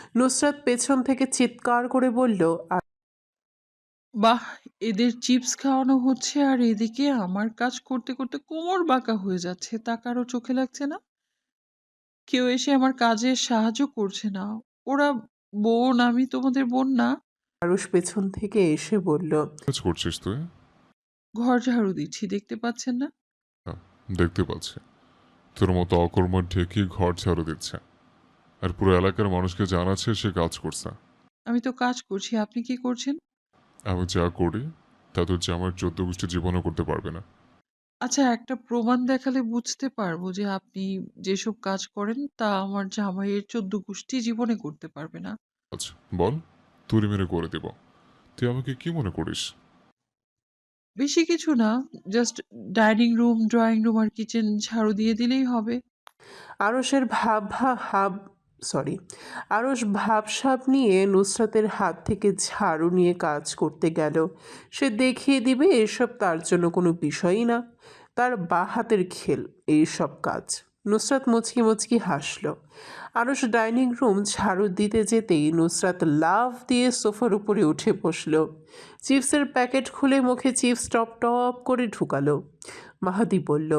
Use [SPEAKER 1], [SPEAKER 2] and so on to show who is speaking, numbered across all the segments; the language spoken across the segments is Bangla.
[SPEAKER 1] নুসরাত পেছন থেকে চিৎকার করে বলল,
[SPEAKER 2] বাহ! এদের চিপস খাওয়ানো হচ্ছে আর এদিকে আমার কাজ করতে, করতে কোমর বাঁকা হয়ে যাচ্ছে। তা কারো চোখে লাগছে না? কেউ এসে আমার কাজে সাহায্য করছে না। ওরা বোন, আমি তোমাদের বোন না?
[SPEAKER 1] আরুষ পেছন থেকে এসে বলল,
[SPEAKER 3] কাজ করছিস তুই?
[SPEAKER 2] ঘর ঝাড়ু দিচ্ছি, দেখতে পাচ্ছেন না?
[SPEAKER 3] হ্যাঁ, দেখতে পাচ্ছি। তোর মতো অকর্মঠ ঢেকি ঘর ঝাড়ু দিচ্ছে আর পুরো এলাকার মানুষকে জানাচ্ছে সে কাজ করছে।
[SPEAKER 2] আমি তো কাজ করছি, আপনি কি করছেন?
[SPEAKER 3] আমি যা করি তা তোর জামার 14 গোষ্ঠী জীবনও করতে পারবে না।
[SPEAKER 2] আচ্ছা, একটা প্রমাণ দেখালে বুঝতে পারবো যে আপনি যেসব কাজ করেন তা আমার জামাইয়ের ১৪ গোষ্ঠী জীবনে করতে পারবে না।
[SPEAKER 3] আচ্ছা বল, তুড়ি মেরে করে দেব। তুই আমাকে কি মনে করিস?
[SPEAKER 2] বেশি কিছু না, just dining room, drawing room আর কিচেন ঝাড়ু দিয়ে দিলেই হবে।
[SPEAKER 1] আরসের আরস ভাবসাব নিয়ে নুসরাতের হাত থেকে ঝাড়ু নিয়ে কাজ করতে গেল। সে দেখিয়ে দিবে এসব তার জন্য কোনো বিষয়ই না, তার বা হাতের খেল এইসব কাজ। নুসরাত মুচকি মুচকি হাসল। আরস ডাইনিং রুম ঝাড়ু দিতে যেতেই নুসরাত লাফ দিয়ে সোফার উপরে উঠে বসল। চিপসের প্যাকেট খুলে মুখে চিপস টপ টপ করে ঢুকালো। মাহাদি বলল,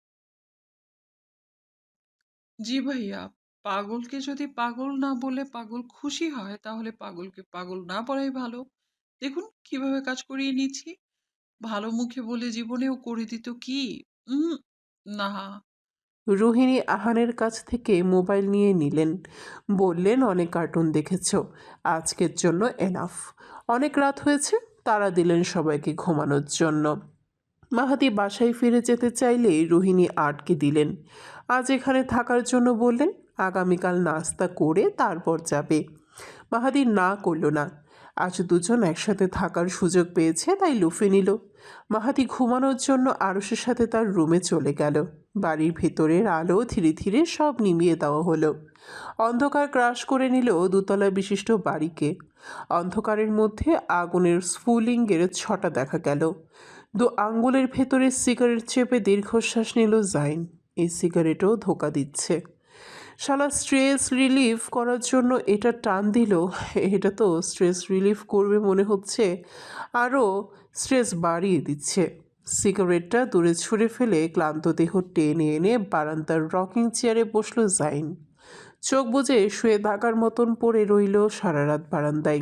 [SPEAKER 2] জি ভাইয়া, পাগলকে যদি পাগল না বলে পাগল খুশি হয় তাহলে পাগলকে পাগল না বলাই ভালো। দেখুন কিভাবে কাজ করিয়ে নিচ্ছি। ভালো মুখে বলে জীবনেও করে দিত কি? উম না।
[SPEAKER 1] রোহিণী আহানের কাছ থেকে মোবাইল নিয়ে নিলেন। বললেন, অনেক কার্টুন দেখেছ, আজকের জন্য এনাফ। অনেক রাত হয়েছে। তারা দিলেন সবাইকে ঘুমানোর জন্য। মাহাদি বাসায় ফিরে যেতে চাইলেই রোহিণী আটকে দিলেন। আজ এখানে থাকার জন্য বললেন, আগামীকাল নাস্তা করে তারপর যাবে। মাহাদি না করল না। আজ দুজন একসাথে থাকার সুযোগ পেয়েছে তাই লুফে নিল। মাহাদি ঘুমানোর জন্য আরুষের সাথে তার রুমে চলে গেল। বাড়ির ভেতরের আলো ধীরে ধীরে সব নিভিয়ে দেওয়া হলো। অন্ধকার ক্রাশ করে নিল দোতলা বিশিষ্ট বাড়িকে। অন্ধকারের মধ্যে আগুনের স্ফুলিঙ্গের ছটা দেখা গেল। দু আঙ্গুলের ভেতরে সিগারেট চেপে দীর্ঘশ্বাস নিল জাইন। এই সিগারেটও ধোঁকা দিচ্ছে। শালা স্ট্রেস রিলিফ করার জন্য এটা টান দিল। এটা তো স্ট্রেস রিলিফ করবে মনে হচ্ছে, আরও স্ট্রেস বাড়িয়ে দিচ্ছে। সিগারেটটা দূরে ছুঁড়ে ফেলে ক্লান্ত দেহ টেনে এনে বারান্দার রকিং চেয়ারে বসলো জাইন। চোখ বুজে শুয়ে থাকার মতন পড়ে রইল সারা রাত বারান্দায়।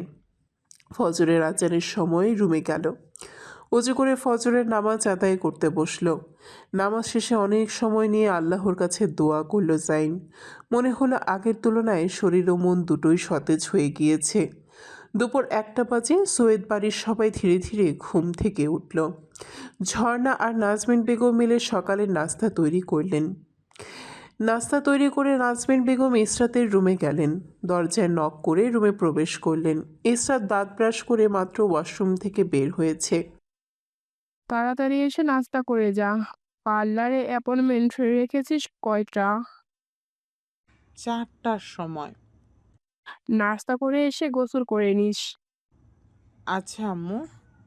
[SPEAKER 1] ফজরের আজানের সময় রুমে গেল। অজু করে ফজরের নামাজ আদায় করতে বসলো। নামাজ শেষে অনেক সময় নিয়ে আল্লাহর কাছে দোয়া করল জাইন। মনে হলো আগের তুলনায় শরীর ও মন দুটোই সতেজ হয়ে গিয়েছে। দুপুর 1টা বাজে সৈয়দ বাড়ির সবাই ধীরে ধীরে ঘুম থেকে উঠল। ঝর্ণা আর নাজমিন বেগম মিলে সকালের নাস্তা তৈরি করলেন। নাস্তা তৈরি করে নাজমিন বেগম ইসরাতের রুমে গেলেন। দরজায় নক করে রুমে প্রবেশ করলেন। ইসরাত দাঁত ব্রাশ করে মাত্র ওয়াশরুম থেকে বের হয়েছে।
[SPEAKER 4] তাড়াতাড়ি এসে নাস্তা করে যা। পার্লারে অ্যাপয়েন্টমেন্ট রেখেছিস কয়টা?
[SPEAKER 5] 4টার সময়।
[SPEAKER 4] নাস্তা করে এসে গোসল করে নিস।
[SPEAKER 5] আচ্ছা আম্মু।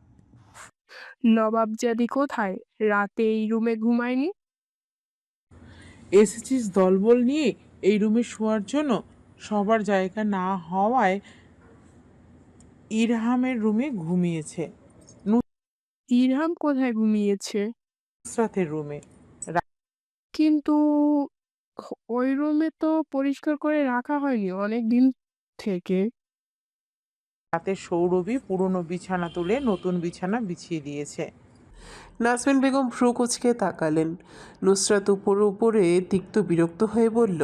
[SPEAKER 4] নবাবজাদি কোথায়? রাতে এই রুমে ঘুমায়নি?
[SPEAKER 5] এসেছিস দলবল নিয়ে এই রুমে শোয়ার জন্য? সবার জায়গা না হওয়ায় ইরহামের রুমে ঘুমিয়েছে।
[SPEAKER 4] ইরহাম কোথায় ঘুমিয়েছে?
[SPEAKER 5] নুসরাতের রুমে।
[SPEAKER 4] কিন্তু ওই রুমে তো পরিষ্কার করে রাখা হয়নি অনেক দিন থেকে।
[SPEAKER 5] রাতে সৌরভী পুরনো বিছানা তুলে নতুন বিছানা বিছিয়ে দিয়েছে।
[SPEAKER 1] নাজমিন বেগম ভ্রু কুঁচকে তাকালেন। নুসরাত উপরে তিক্ত বিরক্ত হয়ে বলল,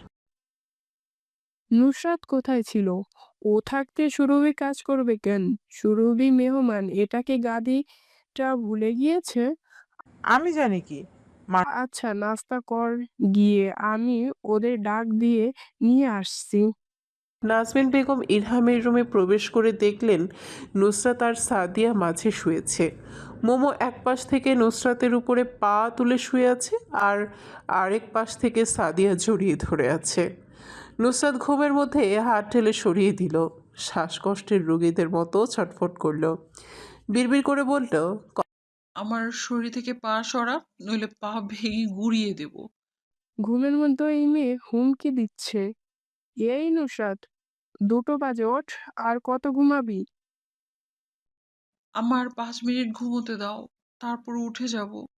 [SPEAKER 4] নুসরাত কোথায় ছিল? ও থাকতে সুরভি কাজ করবে কেন? সুরভি মেহমান, এটাকে গাদিটা ভুলে গিয়েছে।
[SPEAKER 5] আমি জানি কি।
[SPEAKER 4] আচ্ছা, নাস্তা কর গিয়ে, আমি ওদের ডাক দিয়ে নিয়ে আসছি।
[SPEAKER 1] নাজমিন বেগম ইরহামের রুমে প্রবেশ করে দেখলেন নুসরাত আর সাদিয়া মাঝে শুয়েছে। মোমো এক পাশ থেকে নুসরাতের উপরে পা তুলে শুয়ে আছে, আর আরেক পাশ থেকে সাদিয়া জড়িয়ে ধরে আছে। নুসরাত ঘুমের মধ্যে হাত ঠেলে সরিয়ে দিল। শ্বাসকষ্টের রোগীদের মতো ছটফট করলো। বিড়বিড় করে বলল,
[SPEAKER 2] আমার শরীর থেকে পা সরা, নইলে পা ভেঙে গুঁড়িয়ে দেব।
[SPEAKER 4] ঘুমের মধ্যে এই মেয়ে হুমকি দিচ্ছে। এই নুসরাত, 2টো বাজে ওঠ, আর কত ঘুমাবি?
[SPEAKER 2] আমার 5 মিনিট ঘুমোতে দাও, তারপর উঠে যাব।